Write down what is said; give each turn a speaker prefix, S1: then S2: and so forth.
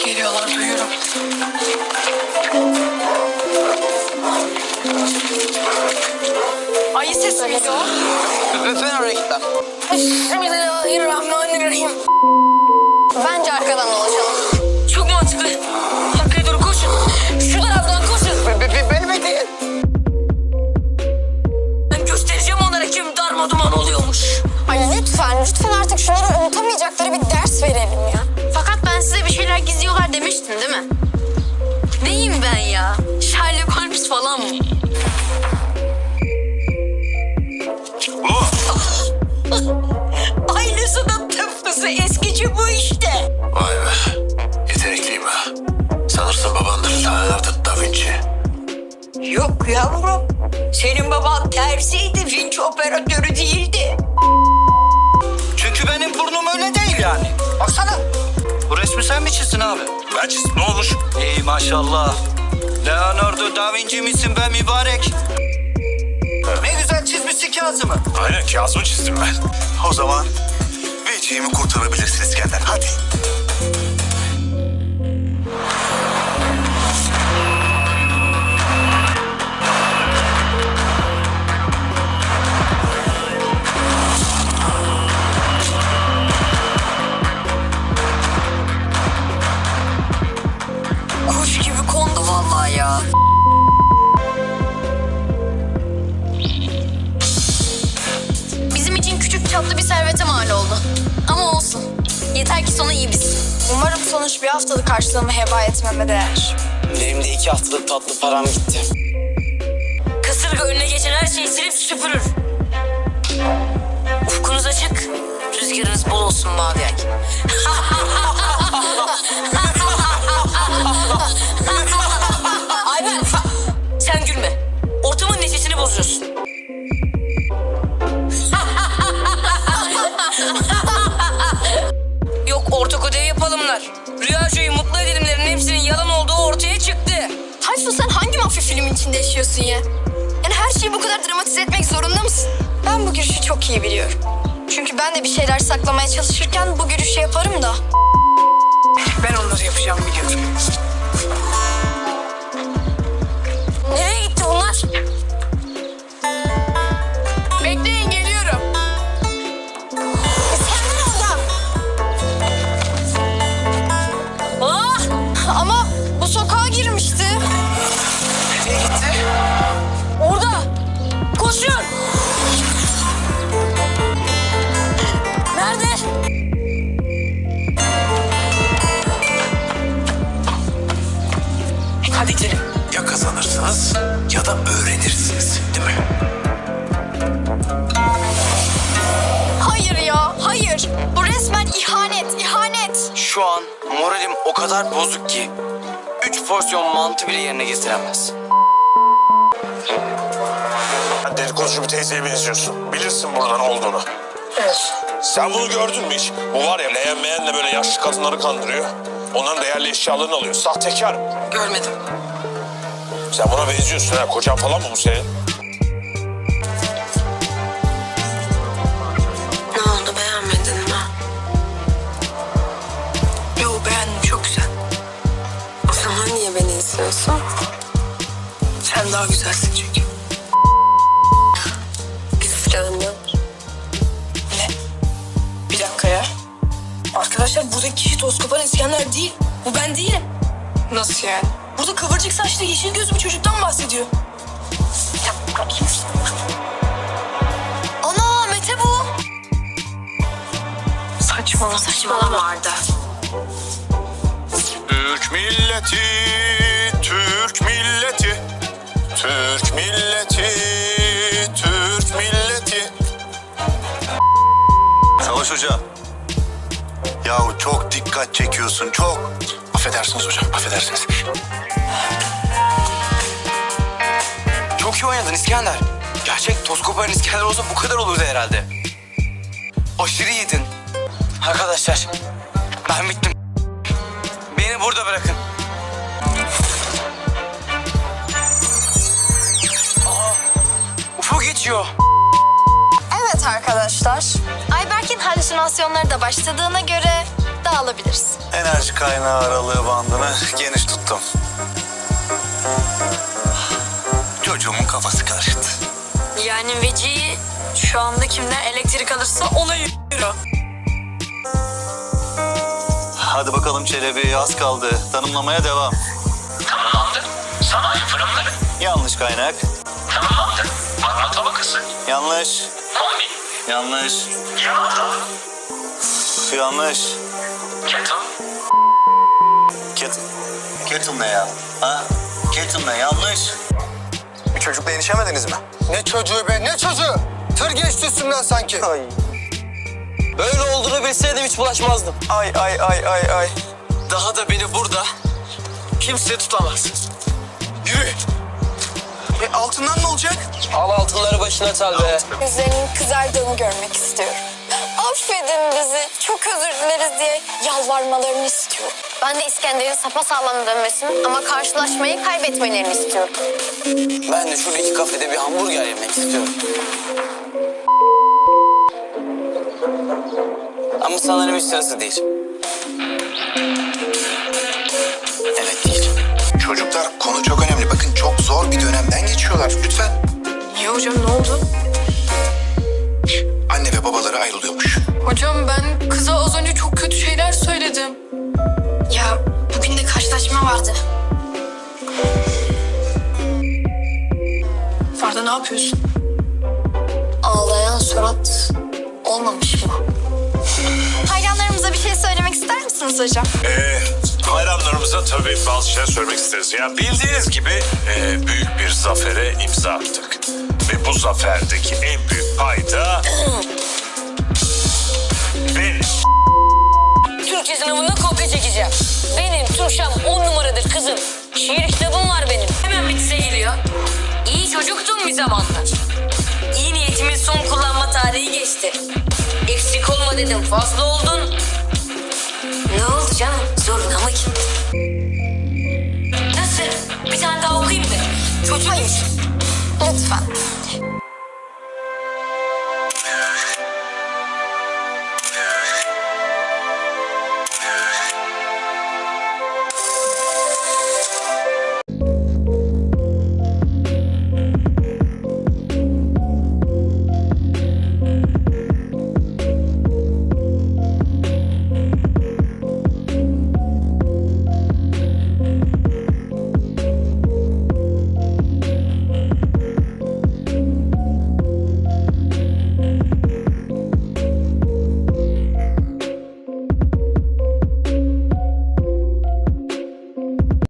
S1: Geliyorlar, duyuyorum. Ayı sesi miydi o?
S2: Ben oraya gitmem.
S1: Bismillahirrahmanirrahim.
S3: Bence arkadan dolaşalım.
S1: Çok mantıklı. Arkaya doğru koşun. Şu taraftan koşun.
S2: Beni bekleyin.
S1: Ben göstereceğim onlara kim darmaduman oluyormuş.
S3: Ay lütfen artık şunlara unutamayacakları bir ders verelim ya.
S4: Fakat ben size bir şeyler gizliyorlar demiştim değil mi? Neyim ben ya? Sherlock Holmes falan mı?
S1: Aynısının tıpkısı eskici bu işte.
S5: Vay be. Yetenekliyim ha. Sanırsın babandır Leonardo da Vinci.
S1: Yok yavrum. Senin baban tersiydi, vinç operatörü değildi.
S2: Çünkü benim burnum öyle değil yani. Baksana. Bu resmi sen mi çizdin abi?
S5: Ben çizdim, ne olmuş?
S2: İyi maşallah. Leonardo da Vinci misin be mübarek? Ne güzel çizmişsin Kazım'ı.
S5: Aynen, Kazım'ı çizdim ben. O zaman Vinci'yi kurtarabilirsin İskender. Hadi.
S1: Kuş gibi kondu vallahi ya.
S4: Bizim için küçük çaplı bir servete mal oldu. Ama olsun. Yeter ki sonu iyi bitsin.
S3: Umarım sonuç bir haftalık karşılığımı heba etmeme değer.
S2: Benim de 2 haftalık tatlı param gitti.
S1: Kasırga önüne geçen her şeyi silip süpürür. Ufkunuz açık, rüzgarınız bol olsun mavi ay. Ayben, sen gülme. Ortamın neşesini bozuyorsun. Yok ortak ödev yapalımlar. Rüyacıyı mutlu edelimlerin hepsinin yalan olduğu ortaya çıktı.
S3: Tayfun sen hangi mafya filmin içinde yaşıyorsun ya? Yani her şeyi bu kadar dramatize etmek zorunda mısın? Ben bu gülüşü çok iyi biliyorum. Çünkü ben de bir şeyler saklamaya çalışırken bu gülüşü yaparım da.
S1: Ben onları yapacağım biliyorum. Nereye gitti bunlar?
S3: Bekleyin geliyorum. İskender orada. Ama bu sokağa girmişti.
S2: Nereye gitti?
S1: Orada. Koşun. Nerede? Hadi gidelim.
S5: Ya kazanırsınız ya da öğrenirsiniz, değil mi?
S3: Hayır ya, hayır. Bu resmen ihanet.
S2: Şu an moralim o kadar bozuk ki 3 porsiyon mantı bile yerine getiremez.
S5: Sen dedikoducu bir teyzeye benziyorsun. Bilirsin burada ne olduğunu.
S1: Evet.
S5: Sen bunu gördün mü hiç? Bu var ya leğenmeyenle böyle yaşlı kadınları kandırıyor. Onların değerli eşyalarını alıyor. Sahtekar.
S1: Görmedim.
S5: Sen buna benziyorsun ha. Kocan falan mı bu senin?
S1: Ne oldu beğenmedin mi? Yo beğendim çok güzel.
S6: O zaman niye beni istiyorsun?
S1: Sen daha güzelsin çünkü.
S6: Kıskandım.
S1: Ne? Bir dakika ya. Arkadaşlar buradaki kişi toz koparan İskender değil. Bu ben değilim.
S6: Nasıl yani?
S1: Burada kıvırcık saçlı yeşil gözlü bir çocuktan bahsediyor. Ana Mete bu.
S6: Saçmalama Arda.
S5: Türk milleti, Türk milleti, Türk milleti, Türk milleti.
S7: Savaş Hoca. Yahu çok dikkat çekiyorsun, çok.
S5: Affedersiniz hocam, affedersiniz.
S2: Çok iyi oynadın İskender. Gerçek toz koparan İskender olsa bu kadar olurdu herhalde. Aşırı iyiydin. Arkadaşlar ben bittim. Beni burada bırakın. Aa, Ufuk geçiyor.
S3: Evet arkadaşlar. Ayberk'in halüsinasyonları da başladığına göre dağılabiliriz.
S7: Enerji kaynağı aralığı bandını geniş tuttum. Çocuğumun kafası karıştı.
S1: Yani Veci'yi şu anda kimden elektrik alırsa ona yürüyor.
S7: Hadi bakalım Çelebi, az kaldı. Tanımlamaya devam.
S8: Tanımlandı. Sanayi fırınları.
S7: Yanlış kaynak.
S8: Tanımlandı. Magma tabakası.
S7: Yanlış.
S8: Kombi.
S7: Yanlış.
S8: Yanardağ.
S7: Yanlış.
S8: Kettle.
S7: Kettle ne ya? Ha? Kettle ne? Yanlış.
S2: Bir çocukla enişemediniz mi? Ne çocuğu be, ne çocuğu? Tır geçti üstümden sanki. Ay.
S9: Böyle olduğunu bilseydim hiç bulaşmazdım.
S2: Ay.
S9: Daha da beni burada kimse tutamaz.
S2: Yürü. Altından ne olacak?
S9: Al altınları başına çal be.
S3: Yüzlerinin kızardığını görmek istiyorum. Affedin bizi, çok özür dileriz diye yalvarmalarını istiyorum.
S4: Ben de İskender'in sapasağlam dönmesini ama karşılaşmayı kaybetmelerini istiyorum.
S9: Ben de şuradaki kafede bir hamburger yemek istiyorum. Ama sanırım hiç sırası değil. Evet değil.
S10: Çocuklar, konu çok önemli. Bakın çok zor bir dönemden geçiyorlar. Lütfen.
S1: Niye hocam, ne oldu?
S10: Anne ve babaları ayrılıyormuş.
S1: Hocam ben kıza az önce çok kötü şeyler söyledim.
S3: Ya bugün de karşılaşma vardı.
S1: Ferda ne yapıyorsun?
S3: Ağlayan surat olmamış mı?
S4: Hayranlarımıza bir şey söylemek ister misiniz hocam?
S5: Hayranlarımıza tabii bazı şeyler söylemek isteriz. Ya bildiğiniz gibi büyük bir zafere imza attık. Ve bu zaferdeki en büyük payda benim.
S11: Türkçe sınavında kopya çekeceğim. Benim Türkçem 10 numaradır kızım. Şiir kitabım var benim. Hemen bitse geliyor. İyi çocuktum bir zamanlar. İyi niyetimin son kullanma tarihi geçti. Eksik olma dedim, fazla oldun. Ne oldu canım? Zor